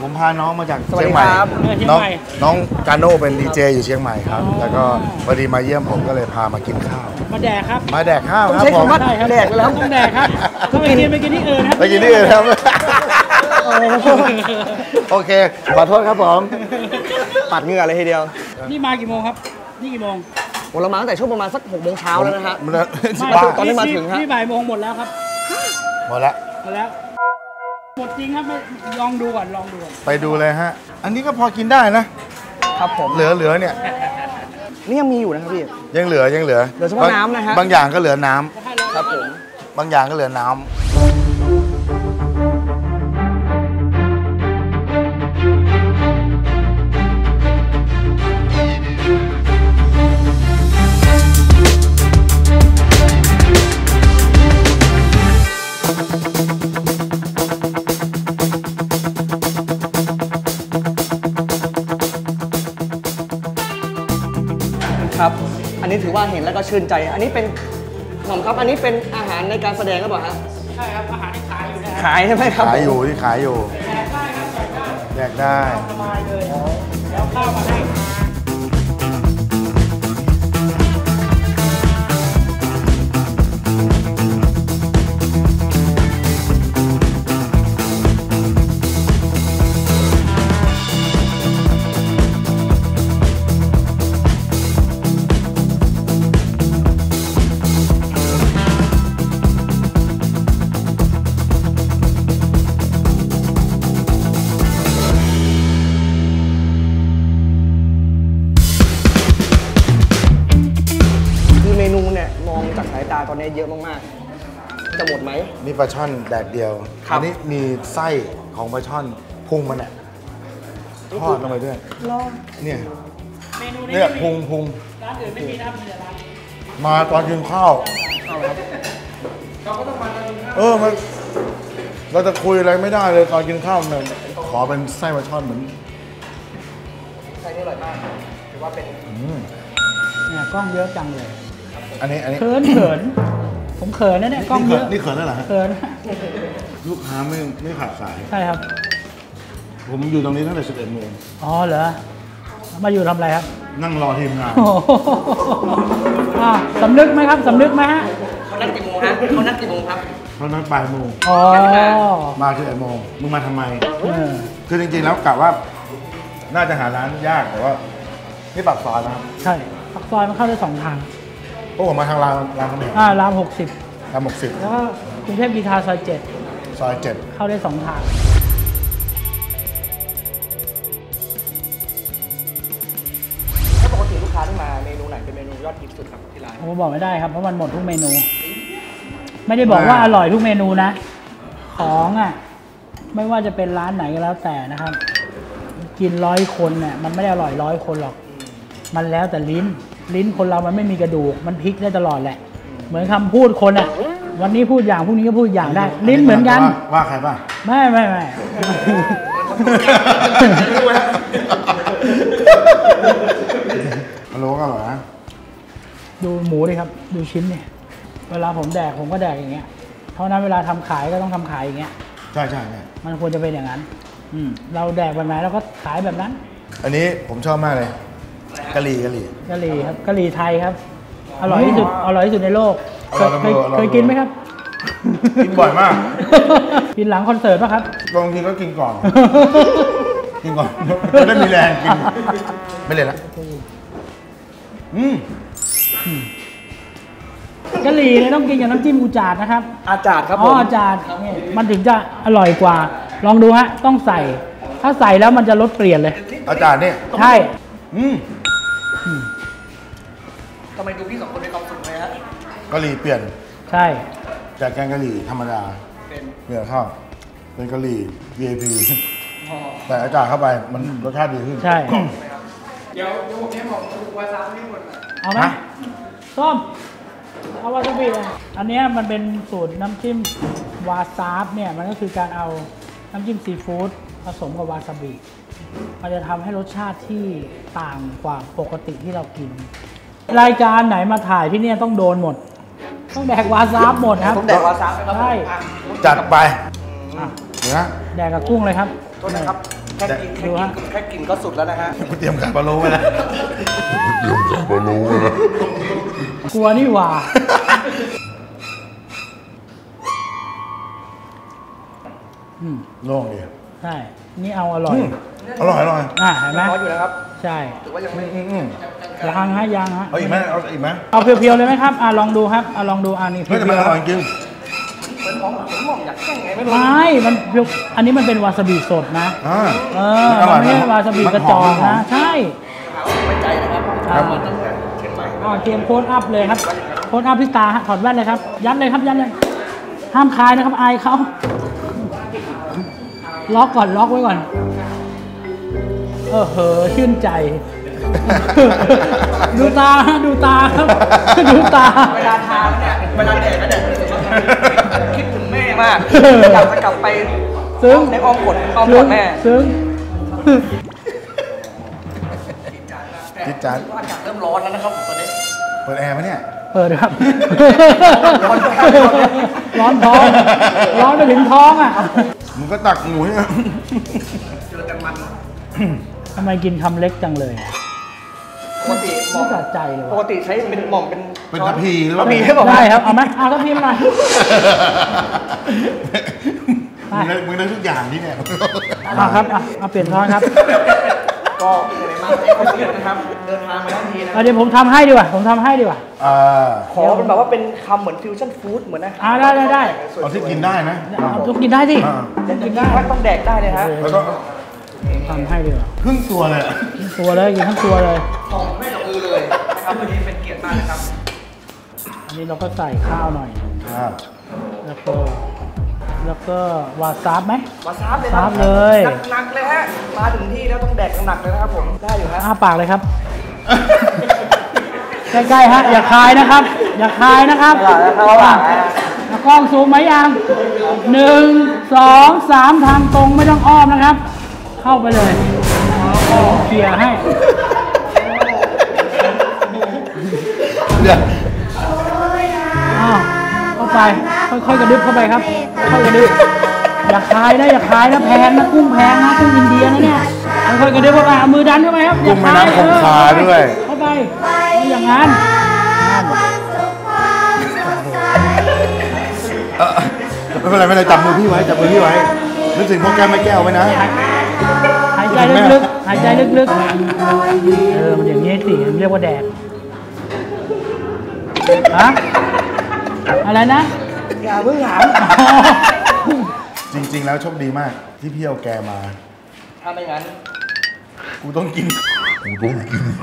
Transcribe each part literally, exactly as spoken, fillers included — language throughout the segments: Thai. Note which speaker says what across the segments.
Speaker 1: ผมพาน้องมาจากเชียงใหม่น้องน้องกาโน่เป็นดีเจอยู่เชียงใหม่ครับแล้วก็พอดีมาเยี่ยมผมก็เลยพามากินข้าว
Speaker 2: มาแดกครับ
Speaker 1: มาแดกข้าวครับผม
Speaker 2: แดกแล้วต้องแดกครับถ้าไปกินไปกินที่อื่นครับ
Speaker 1: ไปกินที่อื่นครับโอเคขอโทษครับผม
Speaker 3: ปัดเหงื่อเลยทีเดียว
Speaker 2: นี่มากี่โมงครับนี่กี่โมง
Speaker 3: เรามาตั้งแต่ช่วงประมาณสักหกโมงเช้าแล้วนะฮะตอนนี้มาถึงฮะ
Speaker 2: นี่บ่ายโมงหมดแล้วครับ
Speaker 1: หมดแล้ว
Speaker 2: หมดแล้วหมดจริงครับลองดูก่อนลองดู
Speaker 1: ไปดูเลยฮะอันนี้ก็พอกินได้นะครับผมเหลือเหลือเนี่ย
Speaker 3: นี่ยังมีอยู่นะครับพี่
Speaker 1: ยังเหลือยังเหลือ
Speaker 3: เหลือเฉพาะน้ำนะฮะ
Speaker 1: บางอย่างก็เหลือน้ำ
Speaker 3: ครับผม
Speaker 1: บางอย่างก็เหลือน้ำ
Speaker 3: ครับอันนี้ถือว่าเห็นแล้วก็ชื่นใจอันนี้เป็นขนมครับอันนี้เป็นอาหารในการแสดงหรือเปล่าฮะ
Speaker 2: ใช่ครับอาหารที่ขายอยู่นะ
Speaker 3: ขายใช่ไหมครับ
Speaker 1: ขายอยู่ที่ขายอยู่
Speaker 2: แดกได้ครับ
Speaker 1: แดกได้
Speaker 2: สบายเลยแล้วข้าวมาให้
Speaker 3: ตอนนี้เยอะมากๆจะหมดไหม
Speaker 1: นี่ปลาช่อนแดดเดียวอันนี้มีไส้ของปลาช่อนพุงมันเนี่ยทอดลงไปด้วยเนี่ยเนี่ยพุงพุง
Speaker 2: ร้านอื่นไม่มีนะมีแต่ร้าน
Speaker 1: มาตอนกินข้าว
Speaker 2: เราก็ต้องมาตอนกินข้าว
Speaker 1: เออมันเราจะคุยอะไรไม่ได้เลยตอนกินข้าวเนี่ยขอเป็นไส้ปลาช่อนเหมือน
Speaker 3: ไส้นี่อร่อยมากถือว่าเป็น
Speaker 2: เนี่ยกล้องเยอะจังเลย
Speaker 1: อันนี้อันนี้
Speaker 2: เขินเขินผมเขินนะเนี่ยกล้องเยอะ
Speaker 1: นี่เขินได้เหรอ
Speaker 2: เขิน
Speaker 1: ลูกค้าไม่ไม่ขาดสาย
Speaker 2: ใช่ครับ
Speaker 1: ผมอยู่ตรงนี้ตั้งแต่สิบเอ็ดโมง
Speaker 2: อ๋อเหรอมาอยู่ทำอะไรครับ
Speaker 1: นั่งรอทีมงาน
Speaker 2: สำนึกไหมครับสำนึกไหมฮะ
Speaker 3: เขานัดกี่โมงฮะเขานัดกี่โมงครับ
Speaker 1: เขานัดบ่ายโมง
Speaker 2: อ๋อ
Speaker 1: มาสิบเอ็ดโมงมึงมาทำไมคือจริงๆแล้วกะว่าน่าจะหาร้านยากแต่ว่านี่ปากซอยนะครับ
Speaker 2: ใช่ปากซอยมันเข้าได้สองทาง
Speaker 1: พวกผมมาทางรามรามคำแหง
Speaker 2: อ่ารามหกสิบ
Speaker 1: รามหกสิบ
Speaker 2: แล้วก็กรุงเทพกีฬาซอยเจ็ด
Speaker 1: ซอยเจ็ด
Speaker 2: เข้าได้สองทาง
Speaker 3: ถ้าปกติลูกค้าที่มาเมนูไหนเป็นเมนูยอดฮิตสุดครับที่ร้าน
Speaker 2: ผมบอกไม่ได้ครับเพราะมันหมดทุกเมนูไม่ได้บอกว่าอร่อยทุกเมนูนะของอ่ะไม่ว่าจะเป็นร้านไหนก็แล้วแต่นะครับกินร้อยคนเนี่ยมันไม่ได้อร่อยร้อยคนหรอกมันแล้วแต่ลิ้นลิ้นคนเรามันไม่มีกระดูกมันพลิกได้ตลอดแหละเหมือนคำพูดคนอ่ะวันนี้พูดอย่างพรุ่งนี้ก็พูดอย่างได้ลิ้นเหมือนกัน
Speaker 1: ว่าใครป่ะ
Speaker 2: ไม่ไม่ไม่
Speaker 1: ฮัลโหลก็เหรอนะ
Speaker 2: ดูหมูดิครับดูชิ้นเนี่ยเวลาผมแดกผมก็แดกอย่างเงี้ยเท่านั้นเวลาทำขายก็ต้องทำขายอย่างเงี้ย
Speaker 1: ใช่ใช่
Speaker 2: มันควรจะเป็นอย่างนั้นเราแดกแบบไหนเราก็ขายแบบนั้น
Speaker 1: อันนี้ผมชอบมากเลยกะหรี่กะหรี่
Speaker 2: กะหรี่ครับกะหรี่ไทยครับอร่อยที่สุดอร่อยที่สุดในโลกเคยเคยกินไหมครับ
Speaker 1: กินบ่อยมาก
Speaker 2: กินหลังคอนเสิร์ตป่ะครับ
Speaker 1: บางทีก็กินก่อนกินก่อนจะได้มีแรงกินไม่เลยละอืม
Speaker 2: กะหรี่เนี่ยต้องกินกับน้ำจิ้มอุจาดนะครับ
Speaker 3: อาจาดครับ
Speaker 2: อ๋ออาจาดมันถึงจะอร่อยกว่าลองดูฮะต้องใส่ถ้าใส่แล้วมันจะรสเปลี่ยนเลย
Speaker 1: อาจาดเนี่ย
Speaker 2: ใช่
Speaker 1: อืม
Speaker 3: ทำไมดูพี่สองคนมีความสุขเลยฮะ
Speaker 1: กะหรี่เปลี่ยน
Speaker 2: ใช่
Speaker 1: จากแกงกะหรี่ธรรมดาเปลี่ยนข้าวเป็นกะหรี่ วี ไอ พี แต่อาจารย์เข้าไปมันรสชาติดีขึ้น
Speaker 2: ใช่
Speaker 3: เดี๋ยวเดี๋ยวผมให้บอกวาซาบิให้หมด
Speaker 2: เอาไหมส้มเอาวาซาบิเลยอันนี้มันเป็นสูตรน้ำจิ้มวาซาบเนี่ยมันก็คือการเอาน้ำจิ้มซีฟู้ดผสมกับวาซาบิมันจะทำให้รสชาติที่ต่างกว่าปกติที่เรากินรายการไหนมาถ่ายที่นี่ต้องโดนหมดต้องแดกวาซาบหมดครับ
Speaker 3: ต้องแดกวาซาบครับ
Speaker 2: ใช่
Speaker 1: จัดไปนะ
Speaker 2: แดกกับกุ้งเลยครับ
Speaker 3: โทษนะครับแค่กินแค่กินแค่กินก็สุดแล้วนะฮะ
Speaker 1: กูเตรียมไข่ปลาโลไว้แล้วเตรียมไข่ปลาโลไว้แล้ว
Speaker 2: กลัวนี่หว่าอืม
Speaker 1: โล่งดี
Speaker 2: ใช่นี่เอาอร่อย
Speaker 1: อร่อยอร่อย
Speaker 2: อ่ะเห็นไหม
Speaker 3: ร้อนอยู่นะครับ
Speaker 2: ใช่
Speaker 3: ถือว่ายังไม่
Speaker 1: อืมอืม
Speaker 2: ยังฮะยังฮะ
Speaker 1: เอาอีกไหมเอาอีกไหม
Speaker 2: เอาเพียวๆเลยไหมครับอ่ะลองดูครับอ่ะลองดูอันนี้เพี
Speaker 1: เฮ้ยแต่มันอร่อย
Speaker 2: ยว
Speaker 1: จริง
Speaker 3: เหมือนของผมหม่อมอยากแข่งไงไม่
Speaker 2: ๆ
Speaker 3: รู้
Speaker 2: ไม่มันเพียวอันนี้มันเป็นวาซาบิสดนะ
Speaker 1: อ่า
Speaker 2: เออมันไม่ใช่วาซาบิกระจอกนะใช่
Speaker 3: ไว้ใจนะครับ
Speaker 2: ครับ
Speaker 3: มาตั้งแต่เชียงใหม่
Speaker 2: อ๋อเตรียมโค้ดอัพเลยครับโค้ดอัพพี่ตาฮะถอดแว่นเลยครับยัดเลยครับยัดเลยห้ามคลายนะครับอายเขาล็อกก่อนล็อกไว้ก่อนเออเหอะชื่นใจ ดูตาฮะดูตาครับดูตา
Speaker 3: เวลาทานเนี่ยเวลาแดกก็แดกคิดถึงแม่มากอยากจะกลับไป
Speaker 2: ซึ้ง
Speaker 3: ในอ้อมกอดอ้อมกอดแม่
Speaker 2: ซึ้ง
Speaker 1: จิ๊ดจ๊าด
Speaker 3: อากาศเริ่มร้อนแล้วนะครับผมตอนนี้
Speaker 1: เปิดแอร์ไหมเนี่ย
Speaker 2: เปิดครับ
Speaker 3: ร้อน
Speaker 2: ร้อนท้องร้อนไปถึงท้องอ่ะ
Speaker 1: มึงก็ตักหมูให้
Speaker 3: เจอกันมัน
Speaker 2: ทำไมกินคำเล็กจังเลย
Speaker 3: ปกติหม่
Speaker 2: ไม่
Speaker 3: อม
Speaker 2: สะใจเลย
Speaker 3: ปก
Speaker 2: ว่ะ
Speaker 3: ติใช้เป็นหม่อมเป็น
Speaker 1: เป็นทัพพีหรือเป
Speaker 3: ทั
Speaker 1: ล่า
Speaker 3: พพีให้บอก
Speaker 2: ได้ครับเอาไหมเอาทัพพีมาหน่อย
Speaker 1: มึงได้มึงได้ทุกอย่างนี่เนี่ย
Speaker 2: เอาครับเอาเอาเปลี่ยนช้อนครับ
Speaker 3: ก็เลยมาให้คนเดียวนะครับ เดินทางมาทั้งทีนะ
Speaker 2: เอาเดี๋ยวผมทำให้ดีกว่าผมทำให้ดีกว่า
Speaker 1: อ่า
Speaker 3: ขอเป็นแบบว่าเป็นคำเหมือนฟิวชั่นฟู้ดเหมือนนะ
Speaker 2: อ่าได้ได้ได้
Speaker 1: เอาที่กินได้นะ
Speaker 2: เอาต้องกินได้สิ
Speaker 1: อ่า
Speaker 3: จะกินได้ต้องแดกได้เลยฮะ
Speaker 1: แล้วก็
Speaker 2: ทำให้ดีกว่า
Speaker 1: ครึ่งตัวเลยอะ
Speaker 2: ทั้งตัวเลยกินทั้งตัวเลย
Speaker 3: ของไม่กับมือเลยนะครับวันนี้เป็นเกียรติมากนะครับ
Speaker 2: อันนี้เราก็ใส่ข้าวหน่อย
Speaker 1: อ่า
Speaker 2: แล้วก็แล้วก็วาซาบไหม
Speaker 3: มาซาบเลยครั
Speaker 2: ซาบเลย
Speaker 3: หนักๆเลยฮะ มาถึงที่แล้วต้องแดกหนักๆเลยนะครับผม ได้อยู่ฮะ
Speaker 2: อ้าปากเลยครับ ใกล้ๆฮะอย่าคายนะครับ อย่าคายนะครับ
Speaker 3: เอาล่ะเอาล่ะ
Speaker 2: อ่ะกล้องซูมไหมยังหนึ่งสองสามทางตรงไม่ต้องอ้อมนะครับ เข้าไปเลยเคลียร์ให้
Speaker 1: เดี๋ยว
Speaker 2: อ้าวเข้าไปค่อยๆกระดึบเข้าไปครับค่อยๆกระดึบอย่าคายนะอย่าคายนะแพงนะกุ้งแพงนะกุ้งอินเดียนะเนี่ยค่อยๆกระดึบเข้าไปเอามือดันเข้าไปครับอย่า
Speaker 1: กุ้งแม่
Speaker 2: คาย
Speaker 1: น้ำคงคาด้วย
Speaker 2: เข้าไปไม่อย่างนั้นนั่น
Speaker 1: เออไม่เป็นไรไม่เป็นไรจับมือพี่ไว้จับมือพี่ไว้นึกถึงพ่อแก้วแม่แก้วไว้นะ
Speaker 2: หายใจลึกๆหายใจลึกๆเออมันอย่างนี้สิมันเรียกว่าแดดฮะอะไรนะ
Speaker 3: อย่าเพิ่งถาม
Speaker 1: จริง ๆ แล้วโชคดีมากที่พี่เอาแกมา
Speaker 3: ถ้าไม่งั้น
Speaker 1: กูต้องกิน กูต้องกิน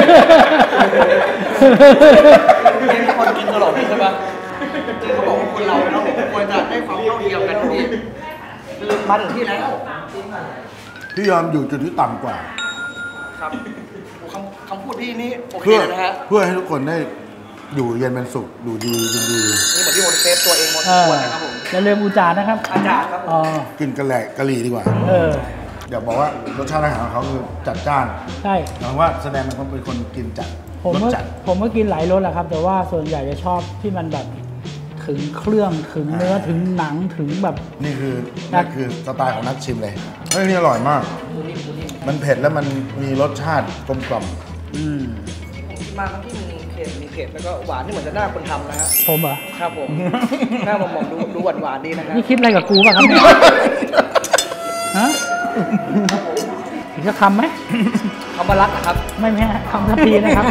Speaker 3: เป็นคนกินตลอดใช่ปะเขาบอกว่าคนเราเนาะควรจะได้ความเท่าเทียมกันทุกทีคือมาถึงที่แล้ว
Speaker 1: พี่ยอมอยู่จุดที่ต่ำกว่า
Speaker 3: ครับคำคำพูดพี่นี่โอเค
Speaker 1: เพื่อ
Speaker 3: เลยนะฮะ
Speaker 1: เพื่อให้ทุกคนได้อยู่เย็นเป็นสุขอยู่ดีกินดี
Speaker 3: นี่เหมือนที่โมนเซฟตัวเองหมด
Speaker 2: เอ
Speaker 3: ทุก
Speaker 2: อ
Speaker 3: คนนะครับผม
Speaker 2: อย่าลืมอุจานะครับ
Speaker 3: อาจารย์ครับผม
Speaker 2: อ๋อ
Speaker 1: กินกะแหลกกะหรี่ดีกว่า
Speaker 2: เออ
Speaker 1: เดี๋ยวบอกว่ารสชาติอาหารของเขาคือจัดจ้าน
Speaker 2: ใช่
Speaker 1: หมายว่าแสดงมันเขาเป็นคนกินจัด
Speaker 2: ผม
Speaker 1: รส
Speaker 2: ก็
Speaker 1: จัด
Speaker 2: ผมก็กินหลายรสแหละครับ แต่ว่าส่วนใหญ่จะชอบที่มันแบบถึงเครื่องถึงเนื้อถึงหนังถึงแบบ
Speaker 1: นี่คือ
Speaker 2: ครั
Speaker 1: นี่
Speaker 2: บ
Speaker 1: คือสไตล์ของนักชิมเลยเฮ้ยนี่อร่อยมาก มันเผ็ดแล้วมันมีรสชาติกลมกล่อม
Speaker 2: อืม
Speaker 3: มาทั้งที่มีเผ็ดมีเผ็ดแล้วก็หวานนี่เหมือนจะหน้าคนทำนะฮะ
Speaker 2: ผมเหรอ
Speaker 3: ครับผม หน้าหมองๆดูดูหวานหวานๆดีนะฮะ
Speaker 2: นี่คิดอะไรกับกูป่ะครับเนี่ยฮะอีกสักคำไหม
Speaker 3: คำว่ารักนะครับ
Speaker 2: ไม่แม่คำทัพพีนะครับ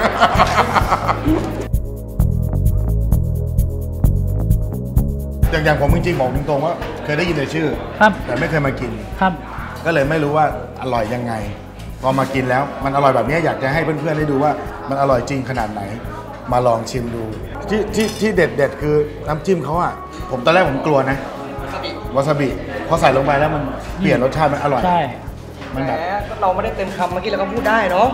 Speaker 1: อย่างอย่างผมจริงๆบอกตรงๆว่าเคยได้ยินแต่ชื่อ
Speaker 2: ครับ
Speaker 1: แต่ไม่เคยมากิน
Speaker 2: ครับ
Speaker 1: ก็เลยไม่รู้ว่าอร่อยยังไง พอมากินแล้วมันอร่อยแบบนี้อยากจะให้เพื่อนๆได้ดูว่ามันอร่อยจริงขนาดไหน มาลองชิมดู ที่ที่ที่เด็ดเด็ดคือน้ำจิ้มเขาอะผมตอนแรกผมกลัวนะวาซาบิพอใส่ลงไปแล้วมันเปลี่ยนรสชาติมันอร่อย
Speaker 2: ใช่
Speaker 1: มัน
Speaker 3: แหม
Speaker 1: แบบ
Speaker 3: เราไม่ได้เต็มคำเมื่อกี้เราก็พูดได้เนาะ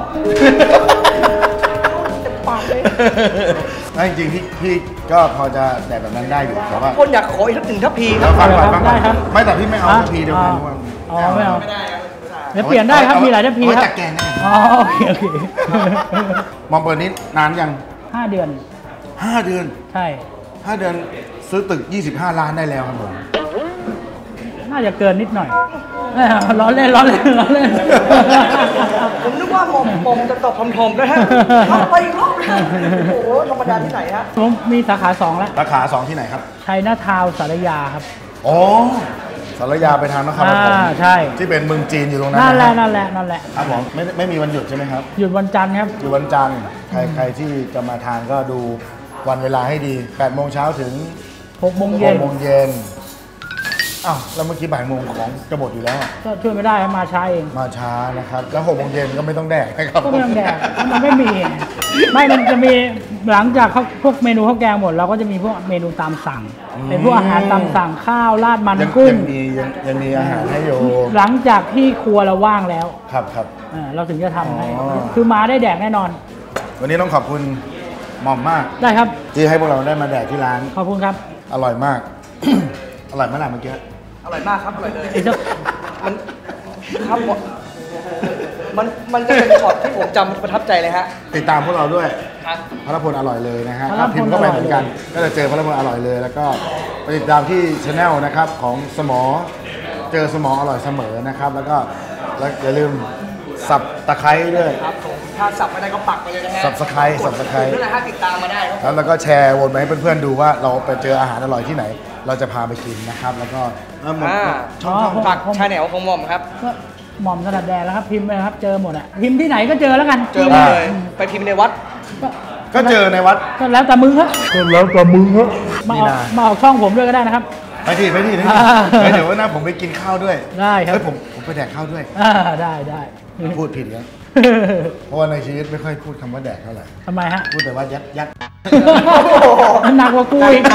Speaker 3: เต็มปากเลย
Speaker 1: แล้วจริงๆพี่พี่ก็พอจะแดดแบบนั้นได้อยู่แต่ว่า
Speaker 3: คนอยากขออีกสักหนึ่งทัพพีค
Speaker 1: แล้
Speaker 3: รั
Speaker 1: ว
Speaker 3: บ
Speaker 1: ฟังก่อน
Speaker 2: ได้
Speaker 1: ฟัง
Speaker 2: ได้
Speaker 1: ก่อน
Speaker 2: ครับ
Speaker 1: ไม่แต่พี่ไม่เอา
Speaker 2: ฮะ
Speaker 1: ทัพพีเดียวกัน
Speaker 2: อ๋อไม่เอา
Speaker 3: ไม่ได้ครับ
Speaker 2: เดี๋ยวเปลี่ยนได้ครับมีหลายทัพพี
Speaker 1: เอาไว้
Speaker 2: ครับ
Speaker 1: จัดแกงได้
Speaker 2: อ๋อโอเคโอเค
Speaker 1: มองเปิดนี้นานยัง
Speaker 2: ห้าเดือน
Speaker 1: ห้าเดือน
Speaker 2: ใช่
Speaker 1: ห้าเดือนซื้อตึกยี่สิบห้าล้านได้แล้วครับผม
Speaker 2: น่าจะเกินนิดหน่อย
Speaker 3: โ
Speaker 2: เออล้อเล่นล้อเล่นล้อเล่น
Speaker 3: ผมนึกว่าหม่อมหม่อมจะตอบทอมๆนะฮะเอาไปอีกรอบนะโอ้โหธรรมดาที่ไหนฮะ
Speaker 2: ผมมีสาขาสองแล้ว
Speaker 1: สาขาสองที่ไหนครับ
Speaker 2: ชัยนาทาวน์สารยาครับ
Speaker 1: อ๋อสารยาไปทางนครปฐม
Speaker 2: อ่าใช่
Speaker 1: ที่เป็นเมืองจีนอยู่ตรงนั้น
Speaker 2: นั่นแหละ
Speaker 1: นะ
Speaker 2: นั่นแหละนั่นแหละ
Speaker 1: ครับผมไม่ไม่มีวันหยุดใช่ไหมครับ
Speaker 2: หยุดวันจันทร์ครับ
Speaker 1: อยู่วันจันทร์ใครใครที่จะมาทานก็ดูวันเวลาให้ดีแปดโมงเช้าถึง
Speaker 2: หกโมง
Speaker 1: ห
Speaker 2: เย็น
Speaker 1: กโมงเย็นอ้าวแล้วเมื่อกี้บ่ายโมงของจะหมดอยู่แล้วอะ
Speaker 2: ก็ช่วยไม่ได้ครับมาช้าเอง
Speaker 1: มาช้านะครับแล้วหกโมงเย็นก็ไม่ต้องแดกนะครับ
Speaker 2: ก็ไม่ต้องแดกมันไม่มี ไม่มันจะมีหลังจากเขาพวกเมนูข้าวแกงหมดเราก็จะมีพวกเมนูตามสั่ง เป็นพวกอาหารตามสั่งข้าวราดมัน
Speaker 1: ยัง
Speaker 2: กุ้ง
Speaker 1: ยังมียังยังมีอาหารให้อยู่
Speaker 2: หลังจากที่ครัวเราว่างแล้ว
Speaker 1: ครับครับ
Speaker 2: เออเราถึงจะทำให้
Speaker 1: อ๋อ
Speaker 2: คือมาได้แดกแน่นอน
Speaker 1: วันนี้ต้องขอบคุณหม่อมมาก
Speaker 2: ได้ครับ
Speaker 1: ที่ให้พวกเราได้มาแดกที่ร้าน
Speaker 2: ขอบคุณครับ
Speaker 1: อร่อยมาก อร่อยมากเมื่อกี้
Speaker 3: อร่อยมากครับอร่อยเลย
Speaker 2: อีกสัก
Speaker 3: มันครับหมดมันมันจะเป็นช็อตที่ผมจำประทับใจเลยฮะ
Speaker 1: ติดตามพวกเราด้วย
Speaker 3: ครับ
Speaker 1: พระพลอร่อยเลยนะฮะ
Speaker 2: พระพล
Speaker 1: ถ้าพิมพ์เข้าไป
Speaker 2: อร่อย
Speaker 1: เหมือนกัน ก็จะเจอพระพลอร่อยเลย แล้วก็ไปติดตามที่ช anel นะครับของสมอเจอสมออร่อยเสมอนะครับ แล้วก็แล้วอย่าลืมสับตะไคร้ด้วย
Speaker 3: ครับผมถ้าสับไม่ได้ก็ปักไปเลยนะฮะ
Speaker 1: Subscribe
Speaker 3: กด
Speaker 1: Subscribe
Speaker 3: นั่นแหละฮะติดตามมาได้ครับ
Speaker 1: แล้วแล้วก็แชร์วนไปให้เพื่อนๆดูว่าเราไปเจออาหารอร่อยที่ไหน เราจะพาไปกินนะครับ แล้วก็เออหมด
Speaker 3: อ่า
Speaker 1: ช่องช่อง
Speaker 3: ฝากชาแนลของหม่อมครับ
Speaker 2: ก็หม่อมถนัดแดกแล้วครับพิมพ์ไปนะครับ เจอหมดอะพิมพ์ที่ไหนก็เจอแล้วกัน
Speaker 3: เจอมาเลยไปพิมพ์ในวัด
Speaker 2: ก็
Speaker 1: ก็เจอในวัด
Speaker 2: ก็แล้วแต่มึงครับ
Speaker 1: ก็แล้วแต่มึงฮะ
Speaker 2: มา
Speaker 1: นี่
Speaker 2: ออก
Speaker 1: นะ
Speaker 2: มาออกช่องผมด้วยก็ได้นะครับ
Speaker 1: ไปที่ไปที่นี่
Speaker 2: อ่า
Speaker 1: เฮ้ยเดี๋ยววันหน้าผมไปกินข้าวด้วย
Speaker 2: ได้ครับ
Speaker 1: เฮ้ยผมผมไปแดกข้าวด้วย
Speaker 2: อ่าได้ได้
Speaker 1: พูดผิดแล้วเพราะว่าในชีวิตไม่ค่อยพูดคำว่าแดกเท่าไหร่
Speaker 2: ทำไมฮะ
Speaker 1: พูดแต่ว่ายัดยัด
Speaker 2: มันหนักกว่ากูอีก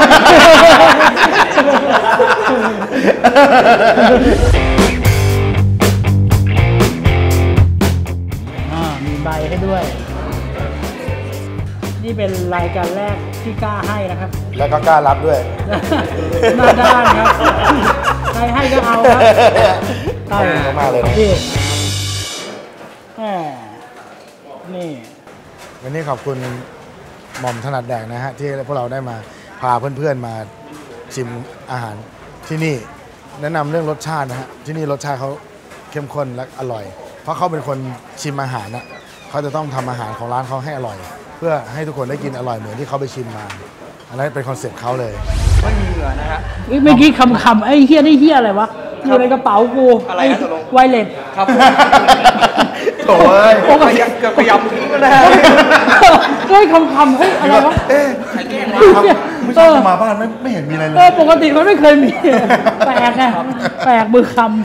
Speaker 2: อ่ามีใบให้ด้วย นี่เป็นรายการแรกที่กล้าให้นะครับ
Speaker 1: แล้วก็กล้ารับด้วย
Speaker 2: หน้าด้านครับ ใครให้ก็เอาครับ
Speaker 1: ขอบคุณมากเลยนะ
Speaker 2: นี่แหมนี่
Speaker 1: วันนี้ขอบคุณหม่อมถนัดแดกนะฮะที่พวกเราได้มาพาเพื่อนๆมาชิมอาหารที่นี่แนะนำเรื่องรสชาตินะฮะที่นี่รสชาติเขาเข้มข้นและอร่อย เพราะเขาเป็นคนชิมอาหารนะเขาจะต้องทำอาหารของร้านเขาให้อร่อย เพื่อให้ทุกคนได้กินอร่อยเหมือนที่เขาไปชิมมาอันนั้นเป็นคอนเซ็ปต์เขาเลย
Speaker 3: ไม่มีเหงื่อนะฮะ
Speaker 2: เอ้ยเมื่อกี้คำคำๆไอ้เฮียนี่เฮียอะไรวะอยู่ในกระเป๋ากู
Speaker 3: อะไรฮะตกลง
Speaker 2: ไวเลส
Speaker 3: ครับ
Speaker 1: โถ่เอ้ย
Speaker 3: พยายามเกือบพยายามทิ้งแล้วนะฮะ
Speaker 2: เฮ้ยคำคำๆเฮ้ยอะไรวะ
Speaker 1: เอ๊ะ
Speaker 3: ใครแกล้งวะ
Speaker 1: ไม่ใช่มาบ้านไม่ไม่เห็นมีอะไรเล
Speaker 2: เอย อปกติมันไม่เคยมี แปลกไงแปลกมือคำ